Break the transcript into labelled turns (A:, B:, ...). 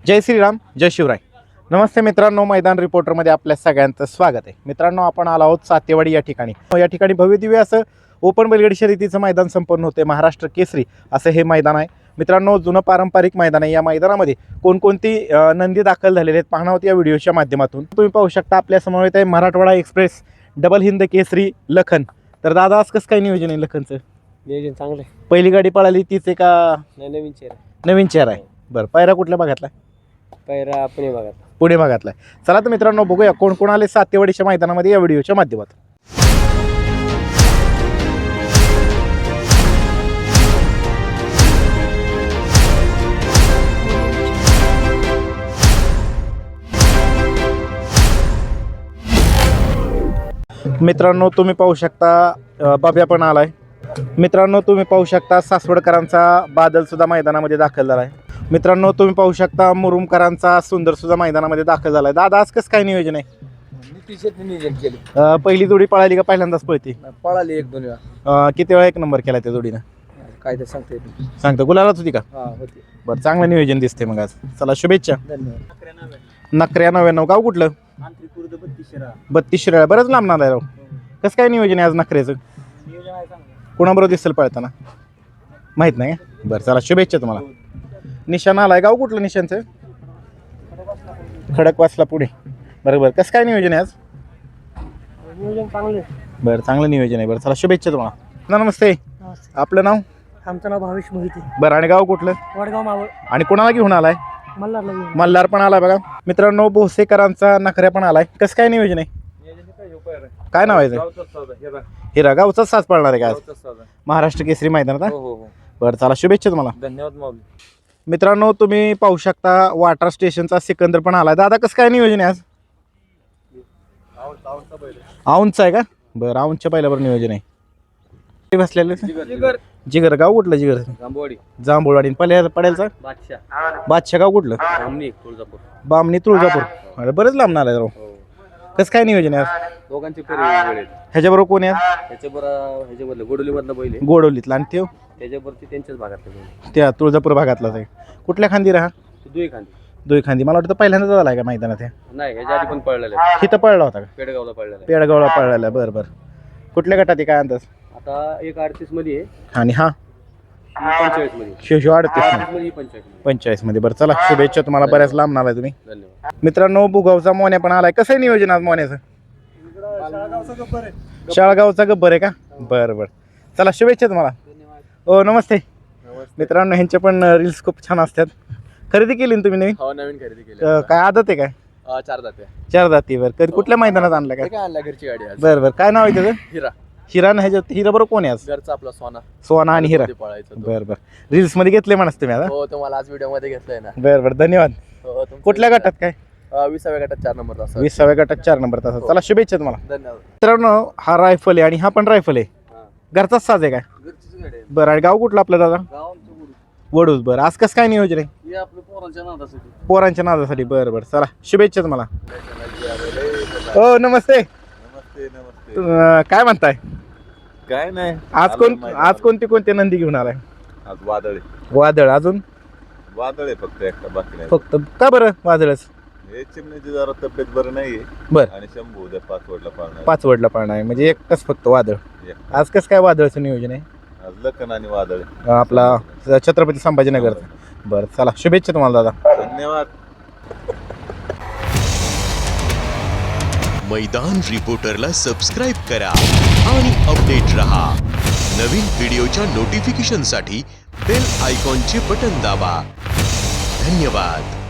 A: जय श्रीराम, जय शिवराय. नमस्ते मित्रांनो, मैदान रिपोर्टरमध्ये आपल्या सगळ्यांचं स्वागत आहे. मित्रांनो, आपण आलो आहोत सातेवाडी या ठिकाणी. या ठिकाणी भव्यदिव्य असं ओपन बैलगाडी शर्यतीचं मैदान संपन्न होते. महाराष्ट्र केसरी असं हे मैदान आहे. मित्रांनो, जुनं पारंपरिक मैदान आहे. या मैदानामध्ये कोणकोणती नंदी दाखल झालेले आहेत पाहणार आहोत या व्हिडिओच्या माध्यमातून. तुम्ही पाहू शकता आपल्या समोर आहे मराठवाडा एक्सप्रेस डबल हिंद केसरी लखन. तर दादा, आज कसं काय नियोजन आहे लखनचं?
B: नियोजन चांगलं आहे.
A: पहिली गाडी पळाली तीच आहे का
B: नवीन चेहरा?
A: नवीन चेहरा आहे. बरं, पायरा कुठल्या भागातला?
B: पैरा पुणे भागात.
A: पुणे भागातला आहे. चला तर मित्रांनो, बघूया कोण कोण आले सातेवाडीच्या मैदानामध्ये या व्हिडिओच्या माध्यमातून. मित्रांनो, तुम्ही पाहू शकता बाब्या पण आलाय. मित्रांनो, तुम्ही पाहू शकता सासवडकरांचा बादल सुद्धा मैदानामध्ये दाखल झाला आहे. मित्रांनो, तुम्ही पाहू शकता मुरुमकरांचा सुंदर सुद्धा मैदानामध्ये दाखल झाला आहे. दादा, आज कसं काय नियोजन आहे?
B: नियोजन केले.
A: पहिली जोडी पळाली का पहिल्यांदाच पळती?
B: पळाली एक दोन वेळा.
A: किती वेळा एक नंबर केला त्या जोडीनं?
B: काय ते सांगता येत नाही.
A: सांगतो गुलालाच होती का?
B: होती.
A: बरं, चांगलं नियोजन दिसते मग आज. चला, शुभेच्छा.
B: धन्यवाद.
A: नकऱ्या 99. गाव कुठलं? 32 शिराळा. बरंच लांब नांद आहे राव. कसं काय नियोजन आहे आज नकऱ्याचं? कोणाबरोबर दिसेल पळताना माहित नाही? बरं, चला, शुभेच्छा तुम्हाला. निशाण आलाय. गाव कुठलं निशांचं? खडकवासला पुढे. बरोबर. कसं काय नियोजन आहे आज?
B: नियोजन चांगलं.
A: बरं, चांगलं नियोजन आहे. बरं, चला, शुभेच्छा तुम्हाला. नमस्ते. आपलं नाव?
B: आमचं नाव भावेश मोहिते.
A: बरं, आणि गाव कुठलं?
B: वडगाव मावळ.
A: आणि कोणाला घेऊन आलाय?
B: मल्हारला.
A: मल्हार पण आलाय बघा. मित्रांनो, भोसेकरांचा नखऱ्या पण आलाय. कसं काय नियोजन आहे? काय नाव आहे? हिरा. गावचाच साज पळणार आहे का आज महाराष्ट्र केसरी मैदानात? बरं, चला, शुभेच्छा तुम्हाला.
B: धन्यवाद माऊली.
A: मित्रांनो, तुम्ही पाहू शकता वाटर स्टेशनचा सिकंदर पण आलाय. दादा, कसं काय नियोजन आहे आज? औंधचा आहे का? बरं, औंधच्या पहिल्यावर नियोजन आहे. बसलेलं जिगर. गाव कुठलं? जिगर. जांभूळवाडी. पड्यालचा बादशाह. गाव कुठलं? बामणी तुळजापूर. अरे, बरेच लांब आलाय राव. कसं काय नियोजन आहे आज?
B: दोघांचे
A: ह्याच्याबरोबर कोण आहे?
B: ह्याच्याबरोबर गोडोलीमधला बैल आहे.
A: गोडवलीतला. आणि ते
B: त्याच्यावरती त्यांच्याच भागातला
A: त्या तुळजापूर भागातलाच आहे. कुठल्या खांदी राहा?
B: दुई खांदी.
A: दुई खांदी. मला वाटतं पहिल्यांदाच झालाय का मैदानात?
B: नाही, ह्याच्या आधी पण पळलेला.
A: इथं पळला होता का?
B: पेडगावला पळलेला.
A: पेडगावला पळलेला. बरं बरं. कुठल्या गटात आहे काय अंदाज?
B: आता एक 38 मध्ये आहे
A: आणि हा
B: 45 मध्ये.
A: शिवशिव 45 मध्ये. बरं, चला, शुभेच्छा तुम्हाला. बऱ्याच लांब आलाय तुम्ही.
B: धन्यवाद.
A: मित्रांनो, बुगावचा मोन्या पण आलाय. कसं आहे नियोजन आज मोन्याचं? शाळगावचा गब्बर आहे का? बरं बरं, चला, शुभेच्छा तुम्हाला. हो, नमस्ते. मित्रांनो, ह्यांचे पण रील्स खूप छान असतात. खरेदी केली ना तुम्ही नवीन?
B: हो, नवीन खरेदी केली.
A: काय आदत आहे काय?
B: 4 जाते.
A: 4 जाती. बरं, कधी कुठल्या मैदानात आणलं काय?
B: काय आणला? घरची गाडी आज.
A: बरं बरं. काय नाव आहे त्याचं?
B: हिरा.
A: हिरा ना? ह्याच्यात हिरा बरोबर कोण आहे आज?
B: घरचा आपला सोना.
A: सोना आणि हिरा.
B: पळायचं.
A: बरं बरं. रील्स मध्ये घेतले म्हणस तुम्ही आता?
B: हो, तुम्हाला आज व्हिडिओ मध्ये घेतलंय ना.
A: बरं बरं, धन्यवाद. कुठल्या गटात काय?
B: 20व्या गटात 4 नंबर तास.
A: 20व्या गटात 4 नंबर तास. चला, शुभेच्छा तुम्हाला.
B: धन्यवाद.
A: मित्रांनो, हा रायफल आहे आणि हा पण रायफल आहे. घरचाच साज आहे काय?
B: घरचीच गाडी आहे.
A: बरं, आणि गाव कुठलं आपलं दादा?
B: गाव
A: वडूज. बरं, आज कसं काय नियोजन आहे?
B: हे आपल्या पोरांच्या नादासाठी.
A: पोरांच्या नादासाठी. बरं बरं, चला, शुभेच्छा तुम्हाला. हो, नमस्ते. काय म्हणताय?
C: काय नाही.
A: आज कोणते नंदी घेऊन आलाय?
C: आज वादळ.
A: वादळ. अजून?
C: वादळ आहे फक्त एकटा, बाकी नाही.
A: फक्त का बरं वादळच?
C: हे चिमण्याची जरा तब्येत बरं नाहीये.
A: बरं.
C: आणि शंभू उद्या 5 वडला पाळणार.
A: 5 वडला पाळणार आहे म्हणजे एकच फक्त वादळ. आज कसं काय वादळचं नियोजन आहे?
C: आज लखन आणि वादळ.
A: आपला छत्रपती संभाजीनगरचा. बरं, चला, शुभेच्छा तुम्हाला दादा.
C: धन्यवाद.
D: मैदान रिपोर्टरला सबस्क्राइब करा आणि अपडेट रहा. नवीन व्हिडिओच्या नोटिफिकेशनसाठी बेल आयकॉनचे बटन दाबा. धन्यवाद.